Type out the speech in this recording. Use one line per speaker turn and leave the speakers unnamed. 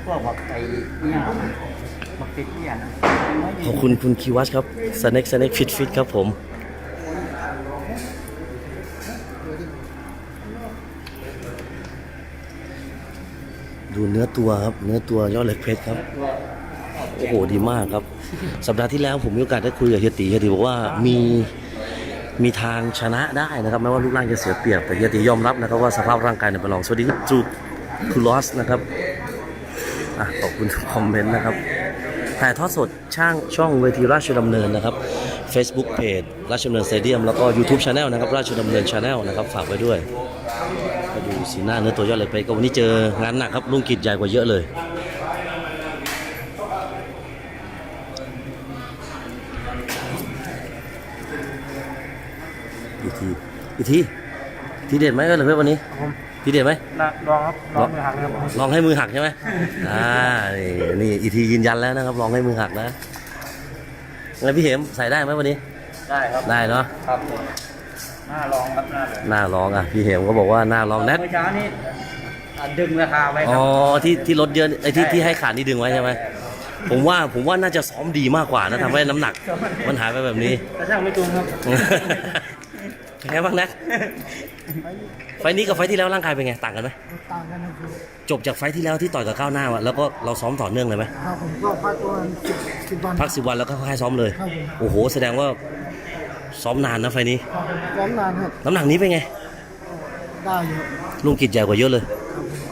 วกแบบไอ้เนี่ยบักติดเนี่ยนะ
ขอบคุณคุณคิวัชครับสแน็คฟิตครับผมดูเนื้อตัวครับเนื้อตัวยอดเหล็กเพชรครับโอ้โหดีมากครับสัปดาห์ที่แล้วผมมีโอกาสได้คุยกับเฮียตีบอกว่ามีทางชนะได้นะครับแม้ว่ารูปร่างจะเสียเปรียบแต่เฮียตียอมรับนะครับว่าสภาพร่างกายเนี่ยเป็นรองสวัสดีคุณจูคุณลอสนะครับขอบคุณทุกคอมเมนต์นะครับถ่ายทอดสดช่องเวทีราชดำเนินนะครับ Facebook Page ราชดำเนินสเตเดียมแล้วก็ YouTube Channel นะครับราชดำเนิน Channel นะครับฝากไว้ด้วยมาดูสีหน้าเนื้อตัวยอดเหล็กเพชรก็วันนี้เจองานหนักครับลุงกิจใหญ่กว่าเยอะเลยอีกทีเด็ดไหมก็เลยวันนี้ทีเด็ดไหม
ลองครับลองมือหักนะครับ
ลองให้มือหักใช่ไหมนี่อีกทียืนยันแล้วนะครับลองให้มือหักนะงั้นพี่เหมใส่ได้ไหมวันนี้
ได้ครับ
ได้เนาะ
ครับหน้าลองครับ
หน้าลองพี่เหมก็บอกว่าหน้าลองแนท
เมื่อเช้านี้ดึงราคาไว้ครับ
ที่ลดเยอะไอ้ที่ให้ขาดนี่ดึงไว้ใช่ไหมผมว่าน่าจะซ้อมดีมากกว่านะทำให้น้ำหนักมันหายไปแบบนี้
กระช่างไม่ตรงครับ
เป็นไงบ้างนะไฟนี้กับไฟที่แล้วร่างกายเป็นไงต่างกันไหม
ต่างกันนะครับ
จบจากไฟที่แล้วที่ต่อยกับก้าวหน้าแล้วก็เราซ้อมต่อเนื่องเลยไหม
ครับผมก็พักตัว10 วัน
พัก10 วันแล้วก็ค่อยซ้อมเลยโอ้โหแสดงว่าซ้อมนานนะไฟนี้
ซ้อมนานครับ
น้ำหนักนี้เป็นไง
ได้เยอะ
ลุงกิจใหญ่กว่าเยอะเลย